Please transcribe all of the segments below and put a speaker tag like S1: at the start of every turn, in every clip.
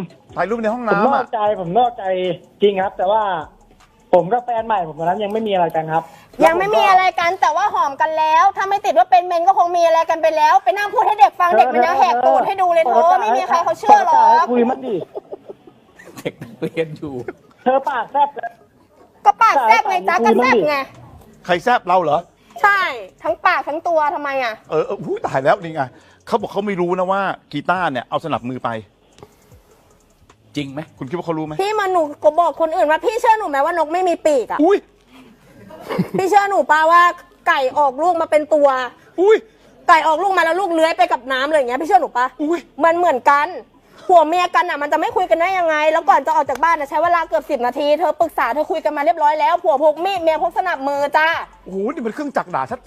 S1: ถ่ายรูปในห้อง
S2: ผมน
S1: น้ำ
S2: อกใจจริงครับ แต่ว่าผมกับแฟนใหม่ผมตอนนั้นยังไม่มีอะไรกันครับ
S3: ยังไม่มีอะไรกันแต่ว่าหอมกันแล้ว ถ้าไม่ติดว่าเป็นเมนก็คงมีอะไรกันไปแล้ว ไปนั่งพูดให้เด็กฟังเด็กมันยังแหกตูดให้ดูเลยเธอไม่มีใครเขาเชื่อหรอก
S2: คุยมันดิ
S4: เด็กนักเรียนอยู่
S2: เธอปากแซ่บเลย
S3: ก็ปากแซบไงจ๊ะก็แซบไง
S1: ใครแซบเราเหรอ
S3: ใช่ทั้งปากทั้งตัวทำไมอ่ะ
S1: หูตายแล้วนี่ไงเขาบอกเขาไม่รู้นะว่ากีตาร์เนี่ยเอาสนับมือไป
S4: จริงไหม
S1: คุณคิดว่าเขารู้ไหม
S3: พี่มาหนูก็บอกคนอื่นว่าพี่เชื่อหนูไหมว่านกไม่มีปีกอ่ะ
S1: อุ้ย
S3: พี่เชื่อหนูป่าว่าไก่ออกลูกมาเป็นตัว
S1: อุ้ย
S3: ไก่ออกลูกมาแล้วลูกเลื้อยไปกับน้ำเลยอย่างเงี้ยพี่เชื่อหนูป่ะ
S1: อุ้ย
S3: มันเหมือนกันผัวเมียกันอ่ะมันจะไม่คุยกันได้ยังไง แล้วก่อนจะออกจากบ้านใช้เวลาเกือบ10 นาทีเธอปรึกษาเธอคุยกันมาเรียบร้อยแล้วผัวพกมีดเมียพกสนับมือจ้า
S1: โอ้โหนี่มันเครื่องจักรด่าชัด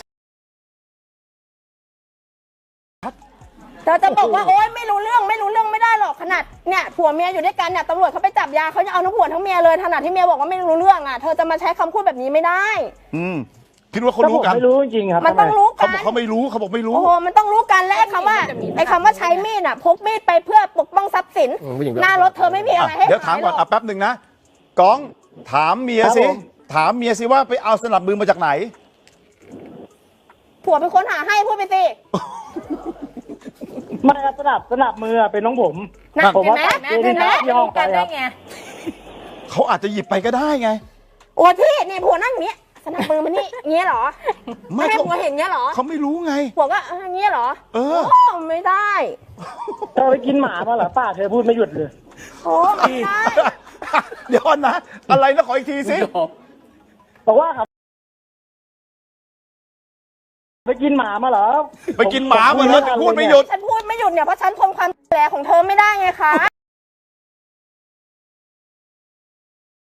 S3: เธอจะบอกว่าโอ๊ยไม่รู้เรื่องไม่ได้หรอกขนาดเนี่ยผัวเมียอยู่ด้วยกันเนี่ยตำรวจเขาไปจับยาเขาจะเอาทั้งผัวทั้งเมียเลยขนาดที่เมียบอกว่าไม่รู้เรื่องอ่ะเธอจะมาใช้คำพูดแบบนี้ไม่ได้
S1: คิดว่าเขารู้กัน
S2: ไม่รู้จริงครับ
S3: มันต้องรู้
S1: เขา
S3: กัน
S1: บอกเขาไม่รู้เขาบอกไม่รู้
S3: โอ้โหมันต้องรู้กันและไอ้คำว่าใช้มีดอ่ะพกมีดไปเพื่อปกป้องทรัพย์สินหน้ารถเธอไม่มีอะไรให้
S1: เดี๋ยวถามก่อน
S3: ขยหร
S1: แป๊บหนึ่งนะก้องถามเมียสิถามเมียสิว่าไปเอาสนับมือมาจากไหน
S3: ผัวเป็นคนหาให้พูดไปสิ
S2: ไม่ครับสนับมือเป็นน้องผม
S3: นะ
S2: ผม
S3: เห็น
S2: ว่า
S3: ไหม
S2: เห็นไหมที่ห้องไปครับ
S1: เขาอาจจะหยิบไปก็ได้ไง
S3: โอ้พี่นี่ผัวนั่งอย่างนี้สนับมือมันนี่เงี้ยเหรอ
S1: ไม่
S3: ไม่ให้
S1: เขา
S3: ผัวเห็นเงี้ยเหรอ
S1: เขาไม่รู้ไง
S3: ผัวก็เงี้ยเหรอ
S1: เออ
S3: โอ้ไม่ได้
S2: เธอไปกินหมามาเหรอป้าเธอพูดไม่หยุดเลย
S3: โอ้ไม่ได้
S1: เดี๋ยวก่อนนะ อะไรนะขออีกทีสิ
S2: บอกว่าครับไปกินหมามาเหรอ
S1: ไปกินหมามาแล้วจะพูดไม่หยุด
S3: ฉันพูดไม่หยุดเนี่ยเพราะฉันทนความแผลของเธอไม่ได้ไงคะ